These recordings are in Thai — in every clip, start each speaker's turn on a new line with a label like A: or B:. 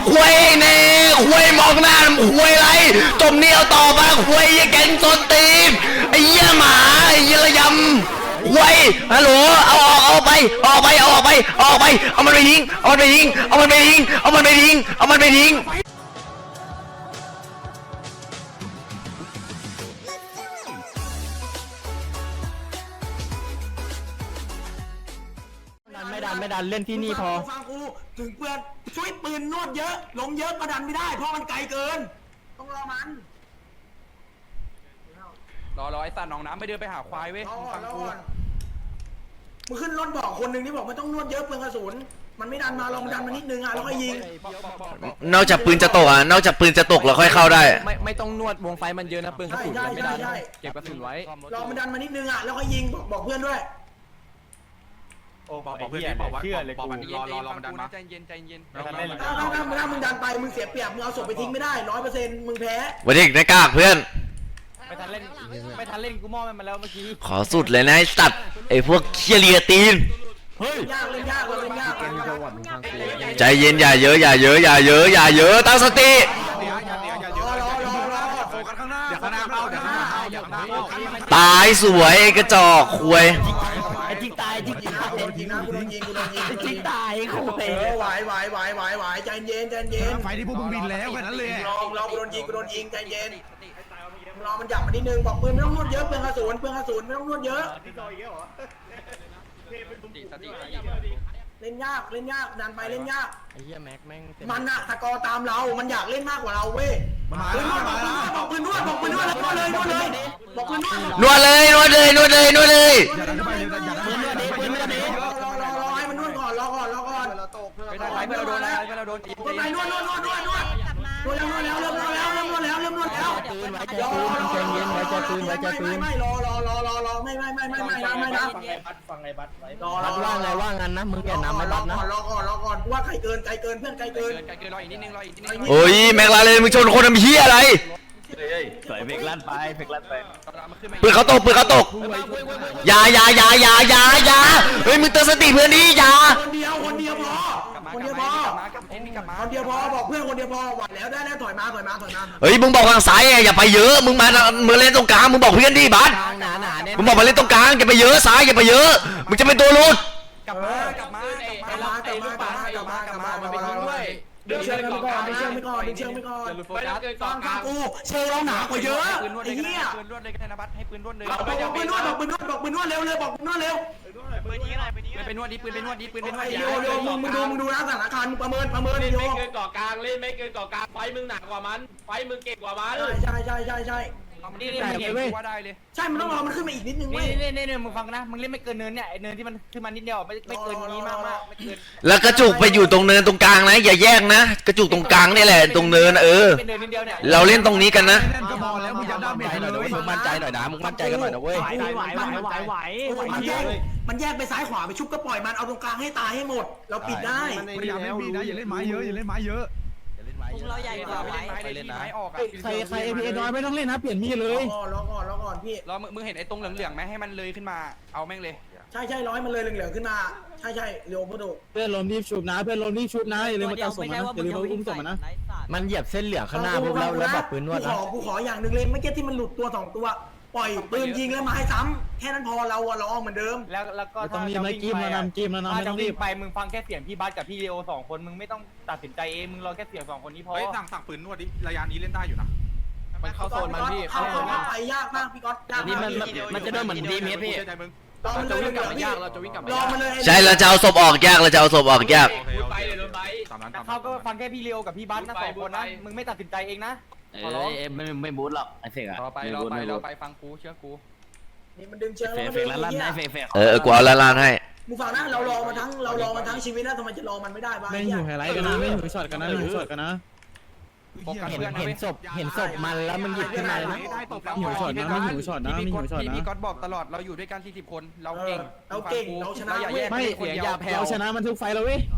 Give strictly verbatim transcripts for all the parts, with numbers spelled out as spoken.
A: ควยเน่ควยมองหน้าควยไรจมเนียวต่อมาควยยี่แกงต้นตีนไอ้เหี้ยหมาไอ้เหี้ยระยำควยฮัลโหลเอาออกเอาไปออกไปเอาออกไปออกไปเอามันไปทิ้งเอามันไปทิ้งเอามันไปทิ้งเอามันไปทิ้งเอามันไปทิ้ง
B: ไม่ดันไม่ดันเล่นที่นี่พอ
C: ฟังกูถึงเปือนช่วยปืนนวดเยอะลงเยอะก็ดันไม่ได้เพราะมันไกลเกินต้องรอมัน
D: รอรอไอ้สัตว์หนองน้ำไปเดินไปหาควายเว้ยฟังกู
C: มึงขึ้นรถบอกคนหนึ่งที่บอกไม่ต้องนวดเยอะเปลืองกระสุนมันไม่ดันมาลองดันมานิดนึงอ่ะแล้วก็ยิง
A: นอกจากปืนจะตกอ่ะนอกจากปืนจะตกเราค่อยเข้าได้
B: ไม่ไม่ต้องนวดวงไฟมันเยอะนะปืนกระสุนไม่ดันเก็บกระสุนไว้
C: รอมันดันมานิดนึงอ่ะแล้วก็ยิงบอกบอกเพื่อนด้วย
D: โอ้บอกเพื่อนบอกว่าเชื่อเลยกูรอรอรอมันดันมาใจเย็นใจเย็น
C: ถ้าถ้ามึงถ้ามึงดันไปมึงเสียเปรียบมึงเอาศพไปทิ้งไม่ได้ร้อยเปอร์เซ็นต์มึงแพ้
A: วันนี้ในกากเพื่อน
B: ไม่ทันเล่นไม่ทันเล่นกูมอมันมาแล้วเมื่อกี้
A: ขอสุดเลยนะไอ้สัตว์ไอ้พวกเคียเลียตีน
C: เฮ้ยยากเล่นยากเล่นยาก
A: ใจเย็นอย่าเยอะอย่าเยอะอย่าเยอะอย่าเยอะตั้งสติตายสวยกระจอกควย
B: ไอ้ทิ้งตายทิ้งตาย
C: ทิ้งนะกูโดนยิงกูโดนยิง
B: ทิ้งตายคุย
C: ไหวไหวไหวไหวไหวใจเย็นใจเย็น
E: ไฟที่พวกมึงบินแล้วแค่นั้นเลย
C: รอรอกูโดนยิงกูโดนยิงใจเย็นรอมันหยับมานิดนึงบอกปืนไม่ต้องนวดเยอะเปลืองกระสุนเปลืองกระสุนไม่ต้องนวดเยอะเล่นยากเล่นยากดันไปเล่นยาก
B: ไอ้เหี้ยแม็กแม่ง
C: มันอะตะกอตามเรามันอยากเล่นมากกว่าเราเว้ยบอกปืนนวดบอกปืนนวดบอกปืนนวดแล้วนวดเลยนวดเลยบอกปืนนวด
A: นวดเลยนวดเลยนวดเลยนวดเลย
C: อย่าดันเข้าไปอย่าดันเข้าไปปืนนวดดิรอรอรอรอให้มันนวดก่อนรอก่อนรอก่อน
D: ไปทางไหนเพื่อนเราโดนอะไรเพื่อนเราโดนจีบ
C: ไปนวดนวดนวดนวดนวดนวดแล้วนวดแล้วเริ่มนวดแล้วเริ่มนวดแล้วเริ่มนวดแล้ว
B: ปืนไว้ใจปืนใจเย็นไว้ใจปืนไว้ใจปืน
C: ไม่รอรอรอรอรอไม่ไม่ไม่ไม่ไม่นะไม่นะ
B: ฟังไอ้บัตไว้รอบัตว่างไงว่างงั้นนะมึงแกนำไม่บัตนะ
C: รอก่อนรอก่อนว่าใครเกินใครเกินเพื่อนใครเกิน
D: ใครเกินรออีกนิดนึงรออีกนิดนึง
A: โอ้ยแม็กลาเลยมึงชนคนทำเหี้ยอะไร
B: สวยเฟกลั่นไปเฟกลั่นไป
A: ปืนเขาตกปืนเขาตกอย่าอย่าอย่าอย่าอย่าอย่าเฮ้ยมึงเตือนสติเพื่อนดิอย่า
C: คนเดียวคนเดียวพอคนเดียวพอคนเดียวพอบอกเพื่อนคนเดียวพอไหวแล้วได้แล้วถอยมาถอยมาถอยมา
A: เฮ้ยมึงบอกทางซ้ายอย่าไปเยอะมึงมามึงเล่นตรงกลางมึงบอกเพื่อนดิบัสมึงบอกมาเล่นตรงกลางอย่าไปเยอะซ้ายอย่าไปเยอะมึงจะเป็นตัวรุด
D: กลับมากลับมากลับมากลับมากลับมากลับมากลับมามันไปทิ้งด้วย
C: ดึงเชือกไปก่อนดึงเชือกไปก่อนดึงเชือกไปก่อนฟังฟังกูเชือกเราหนากว่าเยอะไอ้เหี้ย
D: ปืนรวดเลยก็ได้นะบัสให้ปืนรวดเลย
C: บอกปืนนวดบอกปืนนวดบอกปืนนวดเร็วเลยบอกปืนนวดเร็ว
D: ปืนยิงอะไรปืนยิงไปนวดดิปืนไปนวดดิปืนไปนวดดิ
C: โยโย่มึงมึงดูมึงดูนะสถานการณ์มึงประเมินประเมินโย
F: ไม่เกินเกาะกลางเล่นไม่เกินเกาะกลางไฟมึงหนักกว่ามันไฟมึงเก่งกว่ามัน
C: ใช่ใช่ใช่ใช่
D: นี่นี่มึงเห็นว่าได้เลย
C: ใช่มันต้องรอมันขึ้นมาอีกนิดนึงเว้ย
B: นี่นี่นี่มึงฟังนะมึงเล่นไม่เกินเนินเนี่ยไอเนินที่มันขึ้นมานิดเดียวไม่ไม่เกินนี้มากมากไม่เกิน
A: แล้วกระจุกไปอยู่ตรงเนินตรงกลางนะอย่าแยกนะกระจุกตรงกลางนี่แหละตรงเนินเออเราเล่นตรงนี้กันนะ
E: ก็พอแล้วมึงอย่าด้าเมจเลย
B: มึงมั่นใจหน่อยนะมึงมั่นใจกันหน่อยนะเว้ย
C: ไหวไหวไหวไหวไหวมันแยกมันแยกไปซ้ายขวาไปชุบก็ปล่อยมันเอาตรงกลางให้ตายให้หมดเราปิดได้
E: พยายามเล่นบีนะอย่าเล่นไม้เยอะอย่าเล่นไม้เยอะ
B: เราใหญ่กว่า
D: ไปเล่นไม้ออกอ่ะ
B: ใครใครเอพีเอน้อยไม่ต้องเล่นนะเปลี่ยนมีดเลย
C: รอก่อนรอก่อนพี่
D: รอมึงเห็นไอ้ตรงเหลืองๆไหมให้มันเลยขึ้นมาเอาแม่งเลย
C: ใช่ใช่ร้อยมันเลยเหลืองๆขึ้นมาใช่ใช่เร็วพุทโธ
B: เพื่อนลมรีบชุบนะเพื่อนลมรีบชุบนะอย่าลืมมาจับศพนะอย่าลืมมาอุ้มศพนะมันเหยียบเส้นเหลืองข้างหน้าพวกเราแล้วแบบปืนนวด
C: นะกูขอกูขออย่างหนึ่งเลยไม่เก็ตที่มันหลุดตัวสองตัวปล่อยปืนยิงแล้วไม้ซ้ำแค่นั้นพอเราอะเราเหมือนเดิม
B: แล้วแล้วก็ต้องรีบไม่กิ้มแล้วนำกิ้มแล้วนำไม่ต้องรีบไปมึงฟังแค่เสียงพี่บัสกับพี่เลโอสองคนมึงไม่ต้องตัดสินใจเองมึงรอแค่เสียงสองคนนี้พอ
D: เฮ้ยสั่งสั่งปืนนวดดิระยะนี้เล่นได้อยู่นะ
B: มันเข้าโซนมันพี่
C: เข้าโซนไปยากมากพี่ก๊อตยาก
B: นี่มันมันจะเดินเหมือนดีเมสพี่
C: เราจะวิ่งกลับมายากเราจะวิ่งกลับมารอมันเลย
A: ใช่เราจะเอาศพออกยากเราจะเอาศพออกยาก
F: ไปเลยโดนไป
B: เขาก็ฟังแค่พี่เลโอกับพี่บัสนะสองคนนะมึงไม่ตัดสินใจเองนะ
G: เออไม่ไม่บูทหรอกไอ้เฟกอะ
D: รอไปรอไปรอไปฟังกูเชื่อกู
C: นี่มันดึงเชือก
G: เฟกเฟกลั่นได้เฟกเฟก
A: เออกูเอาลั่นให้
C: มึงฟังนะเรารอมาทั้งเรารอมาทั้งชีวิตแล้วทำไมจะรอมันไม่ได้บ้าง
B: ไม่อยู่ไฮไลท์กันนะไม่อยู่ช็อตกันนะไม่อยู่ช็อตกันนะเห็นเห็นศพเห็นศพมันแล้วมึงหยิบขึ้นมาเลยนะหิวช็อตนะไม่หิวช็อตนะไม่หิวช็อตนะ
D: พี่ก๊อตบอกตลอดเราอยู่ด้วยกันสี่สิบคนเราเก่ง
C: เราเก่งเราชนะ
B: ไม่เสียอย่าแพ้เราชนะมันทุกไฟแล้วเว้ย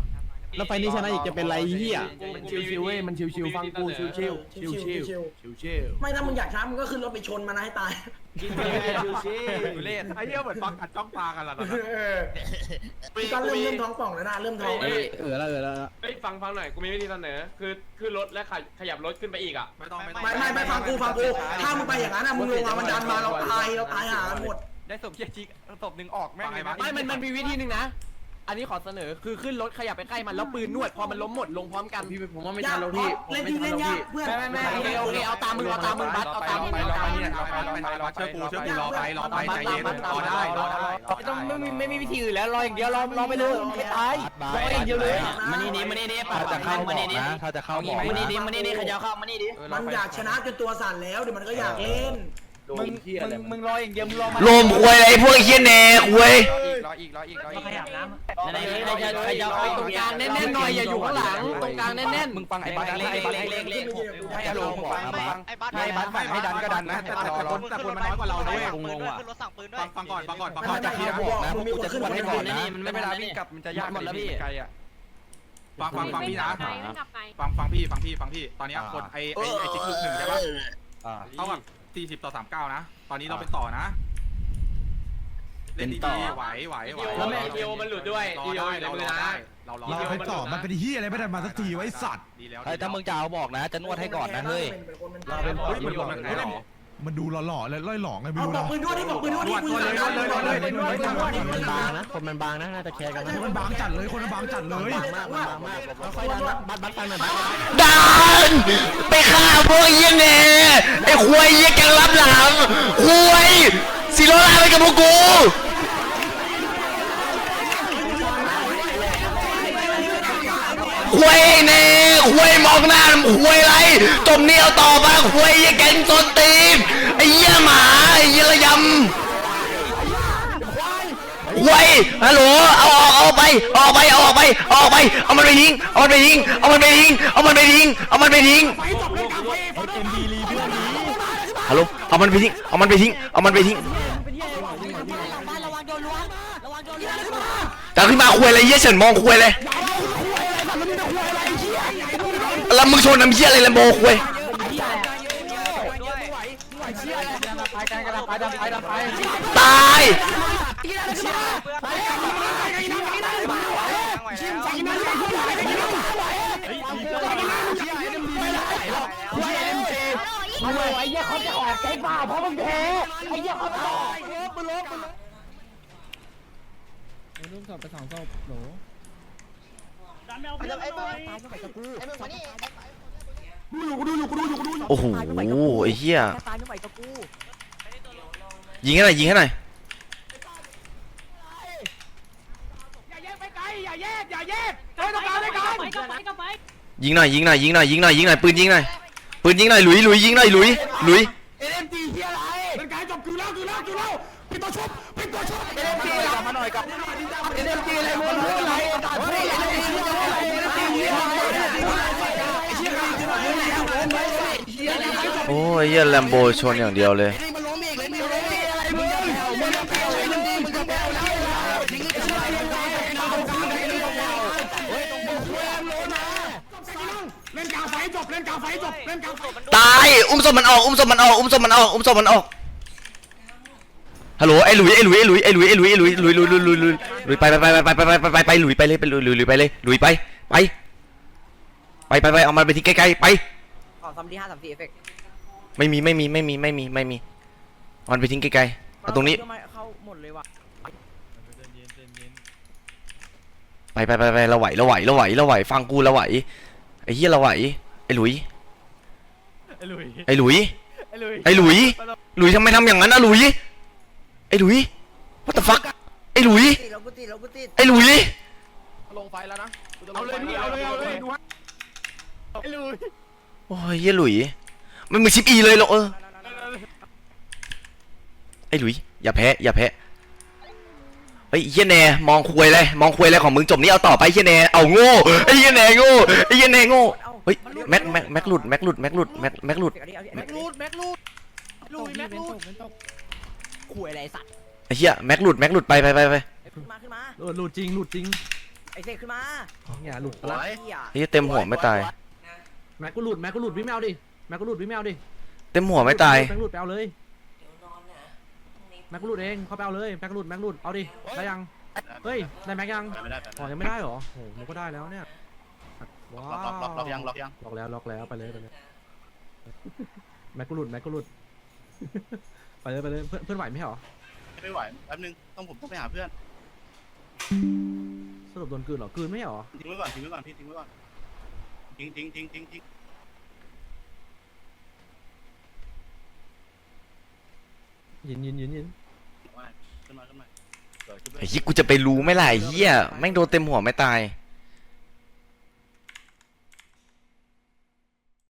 B: แล้วไฟนี้ชนะอีกจะเป็นไรเหี้ย
F: มันชิวๆเว้ยมันชิวๆฟังกูชิวๆชิว
C: ชิวๆชิว
F: ชิว
C: ๆไม่ถ้ามึงอยากช้ามึงก็ขึ้นรถไปชนมันนะให้ตาย
D: ดูเล่นไอ้เหี้ยเหมือนฟังกัดจ้องตากันล่ะ
C: พี่ก็เริ่มเริ่มท้องป่องแล้วนะเริ่มท้องแล้วนะ
B: เออแล้วเออแล้ว
F: เฮ้ยฟังฟังหน่อยกูมีวิธีเสนอคือขึ้นรถและขยับรถขึ้นไปอีกอ่ะ
D: ไม่ต้องไม่ต้อง
C: ไม่ไม่ไม่ฟังกูฟังกูถ้ามึงไปอย่างนั้นนะมึงลงมามันดันมาเราตายเราตายหากันหมด
D: ได้ศพเหี้ยจิกศพหนึ่งออกแม่งเลย
H: ไม่มันมันมีวิธีหนึ่งนะ อันนี้ขอเสนอคือขึ้นรถขยับไปใกล้มันแล้วปืนนวดพอมันล้มหมดลงพร้อมกัน
B: พี่ผมว่าไม่
C: ยา
B: ทั
C: ก
B: นแล้วพี่
C: เล่นที่เล่นยากเพื่อน
H: ไม่ไม่ไม่โอเคโอเคเอาตามมึงเอาตามมึงบัสเอาตามมึง
D: ไปรอไปเนี่ยรอไปรอไปรอเชื่อกูเชื่อกูรอไปรอไปใจเย็นรอได้รอได้
H: ไม่ต้องไม่มีไม่มีวิธีอื่นแล้วรออย่างเดียวรอรอไปเลยไม่ตายรออย่างเดียวเลย
G: มานี่ดิมานี่ดิปากจะเข้ามานี่ดิถ้าจะเข้ามานี่ดิมานี่ดิขยับเข้ามานี่ดิ
C: มันอยากชนะจนตัวสั่นแล้วเดี๋ยวมันก็อยากเล่น
H: มึงมึงมึงรออย่างเดียวมึงรอมา
A: ลมควยอะไรพวกไอ้เหี้ยแหนควย
D: รออีกรออีกรออีก
H: ขยับน้ำ
G: ไหนใครจะใครจะ
H: ตรงกลางแน่นๆหน่อยอย่าอยู่ข้างหลังตรงกลางแน่นๆ
D: มึงฟังไอ้บัสเล็กเล็กเล็กเล็กให้อารมณ์ฟังฟังให้บัสฟังให้ดันก็ดันนะแต่แต่คนแต่คนมันน้อยกว่าเราด้วย
G: งงว่ะ
D: ฟังฟังก่อนฟังก่อนฟัง
C: มั
D: ก่อน
C: น
D: จะ
C: จะ
D: เคลี
C: เคี
D: ย
C: ย
D: ร์
C: ร์
D: บบ อ
C: อก ก
D: นะ
C: นะมึงมีคนขึ้นคนให้ก่อนนะ
G: นี่มัน
D: ไม่
G: ไม่
D: เว
G: เว
D: ลา
G: ลา
D: วิ่
G: วิ่
D: ง
G: ง
D: ก
G: ก
D: ลั
G: ลั
D: บบ มันจะยาก
G: หมดแล้วพี่
D: ไกลอ่ะฟังฟังฟังพี่นะฟังฟังพี่ฟังพี่ฟังพี่ตอนนี้คนไอ้ไอ้ไอ้จิ๊กลูกหนึ่งใช่ปะเท่ากับสี่สิบต่อสามเก้านะตอนนี้เราเป็นต่อนะเล่นดีๆไหวไหวไหว
F: แล้วแม่อีโอมันหลุดด้วย
D: รอ
F: อีโอ
D: ได้
F: อยู่ใน
D: เรา
F: มือ
D: รอ
F: นะ
D: ได้เรารอ
E: เราไปต่อมันเป็นเฮียอะไรไม่ได้มาสักทีไว้สัตว์
D: ดีแล้ว
A: เฮ้ยถ้ามึงจะเอาบอกนะจะนวดให้ก่อนนะเฮ้ย
C: เราเป็น
D: เฮ้ยมันรวมกันไงหรอ
E: มันดูหล่อๆเลยล่อยหลองไงไม่
C: เอา
E: รู้
C: บอก
E: นะ
C: ปืนด้วยดิบอกปืนด้วยดิปืนสั่งเลยบอกเลยปืนด้วยปืนด้วยปืนบางนะ
B: คนมันบางนะน่าจะแคร์กันนะ
E: คนมันบางจัดเลยคนมันบางจัดเลย
B: มากมากมากค่อยๆดันนะบัสบัสฟังหน่อยบัส
A: ดันไปฆ่าพวกไอ้เหี้ยแหนไอ้ควยเหี้ยแกงรับหลังควยสิโรลาไปกับพวกกูควยแหนควยมองหน้าควยไรจมเนี่ยวต่อมาควยเหี้ยแกงส้นตีนไอ้เหี้ยหมาไอ้เหี้ยระยำควยฮัลโหลเอาออกเอาไปออกไปเอาออกไปออกไปเอามันไปทิ้งเอามันไปทิ้งเอามันไปทิ้งเอามันไปทิ้งเอามันไปทิ้งฮัลโหลเอามันไปทิ้งเอามันไปทิ้งเอามันไปทิ้งแต่ขึ้นมาควยอะไรเยี่ยเฉินมองควยเลยแล้วมึงชนน้ำเยี่ยอะไรแลมโบควยตายโอ้โหไอ้เหี้ยยิงให้หน่อยยิงให้หน่อยยิงหน่อยยิงหน่อยยิงหน่อยยิงหน่อยยิงหน่อยปืนยิงหน่อยปืนยิงหน่อยหลุยหลุยยิงหน่อยหลุยหลุยโอ้ยเหี้ยแลมโบชนอย่างเดียวเลยตายอุ้มศพมันออกอุ้มศพมันออกอุ้มศพมันออกอุ้มศพมันออกฮัลโหลไอ้หลุยไอ้หลุยไอ้หลุยไอ้หลุยไอ้หลุยไอ้หลุยหลุยหลุยหลุยหลุยหลุยหลุยไปไปไปไปไปไปไปไปไปหลุยไปเลยไปหลุยหลุยหลุยไปเลยหลุยไปไปไปไปไปเอามันไปที่ใกล้ๆไป
H: ขอซัมดีห้าสามสี่เอฟเฟกต์
A: ไม่มีไม่มีไม่มีไม่มีไม่มีมันไปทิ้งไกลๆเอาตรงนี้
H: เข้าหมดเลยว่ะ
A: ไปไปไปไปเราไหวเราไหวเราไหวเราไหวฟังกูเราไหวไอ้เหี้ยเราไหวไอ้หลุยไอ้หลุยไอ้หลุยไอ้หลุยหลุยทำไมทำอย่างนั้นอะหลุยไอ้หลุย what the fuck ไอ้หลุย
H: ติดเรากูติดเรากูติด
A: ไอ้หลุย
F: ลงไฟแล้วนะ
D: เอาเลยพี่เอาเลยเอาเลยดูฮะ
A: โอ้ยเหี้ยหลุยมันมือชิปอีเลยเหรอเออไอ้หลุยอย่าแพ้อย่าแพ้ไอ้เหี้ยแน่มองควยเลยมองควยเลยของมึงจบนี้เอาต่อไปเหี้ยแน่เอาโง่ไอ้เหี้ยแน่โง่ไอ้เหี้ยแน่โง่เฮ้ยแม็กแม็กแม็กหลุดแม็กหลุดแม็กหลุดแม็กแม็กหลุด
H: แม็กลูดแม็กลูดลูดแม็กลูดขู่อะไรสัตว์
A: ไอ้เหี้ยแม็กหลุดแม็กหลุดไปไปไปไป
H: ขึ้นมาขึ้นมา
B: หลุดหลุดจริงหลุดจริง
G: ไอเสกขึ้นมา
B: เนี่ยหลุดไปละ
A: เฮียเต็มหัวไม่ตาย
B: แม็กกูหลุดแม็กกูหลุดวิ่งแมวดิแม็กกูหลุดวิ่งแมวดิ
A: เต็มหัวไม่ตาย
B: แม็กหลุดไปเอาเลยแม็กกูหลุดเองเขาไปเอาเลยแม็กหลุดแม็กหลุดเอาดิได้ยังเฮ้ยได้แม็กยังอ๋อยังไม่ได้เหรอโอ้โหมันก็ได้แล้วเนี่ยว้าวล็อกล็อกล็อกยังล็อกยังล็อกแล้วล็อกแล้วไปเลยไปเลยแม็กกูหลุดแม็กกูหลุดไปเลยไปเลยเพื่อนเพื่อนไหวไหมเหรอ
I: ไม่ไหวแป๊บนึงต้องผมต้องไปหาเพื่อน
B: สรุปโดนกลืนเหรอกลืนไม่เหรอ
I: ทิ้งไว้ก่อนทิ้งไว้ก่อนพี่ทิ้งไว้ก่อนทิ้งทิ้งทิ้งทิ้งทิ้ง
B: ยินยินยินยิน
I: ขึ้นมาขึ้นมา
A: ไอ้เหี้ยกูจะไปรู้ไหมล่ะไอ้เหี้ยแม่งโดนเต็มหัวไม่ตาย